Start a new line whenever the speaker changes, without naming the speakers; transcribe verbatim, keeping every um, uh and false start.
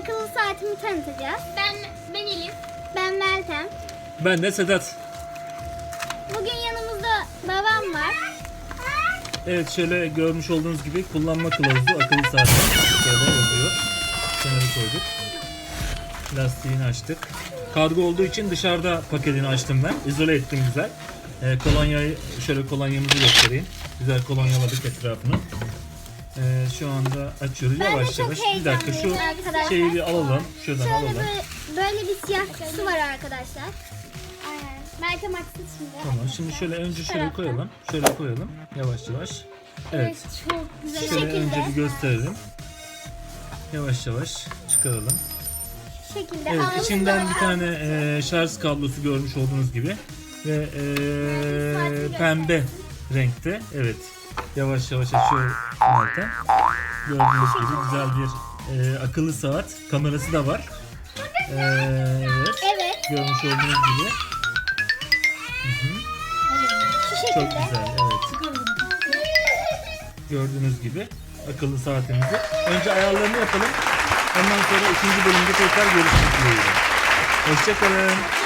akıllı saatimi tanıtacağız.
Ben ben Elif.
Ben Meltem.
Ben de Sedat.
Bugün yanımızda babam var.
Evet, şöyle görmüş olduğunuz gibi kullanma kılavuzu akıllı saatte şöyle yazıyor. Kenara koyduk. Lastiğini açtık. Kargo olduğu için dışarıda paketini açtım ben. İzole ettim güzel. Ee, kolonyayı şöyle kolonyamızı göstereyim. Güzel kolonyaladık etrafını. Ee, şu anda açıyoruz
Ben de
yavaş
çok
yavaş. Bir dakika şu
heyecanlıyım arkadaşlar.
şeyi bir alalım. Şuradan
Şöyle
alalım.
böyle, böyle bir siyah kutusu var arkadaşlar. Aynen. Meltem açsın şimdi.
Tamam, şimdi şöyle önce şöyle
taraftan.
koyalım. Şöyle koyalım. Yavaş yavaş. Evet.
Çok güzel.
Şu
Şöyle
şekilde.
önce bir gösterelim. Yavaş yavaş çıkaralım.
Şu şekilde.
Evet,
Ağzında
içinden bir
var.
tane e, şarj kablosu görmüş olduğunuz gibi ve e, pembe renkte. Evet, yavaş yavaş açıyor Meltem. Gördüğünüz gibi güzel bir e, akıllı saat, kamerası da var. E, evet,
Evet.
görmüş olduğunuz gibi. Hı hı.
Şu
Çok
şekilde.
güzel, evet. Gördüğünüz gibi akıllı saatimizi. Önce ayarlarını yapalım. Ondan sonra ikinci bölümde tekrar görüşmek dileğiyle. Hoşça kalın.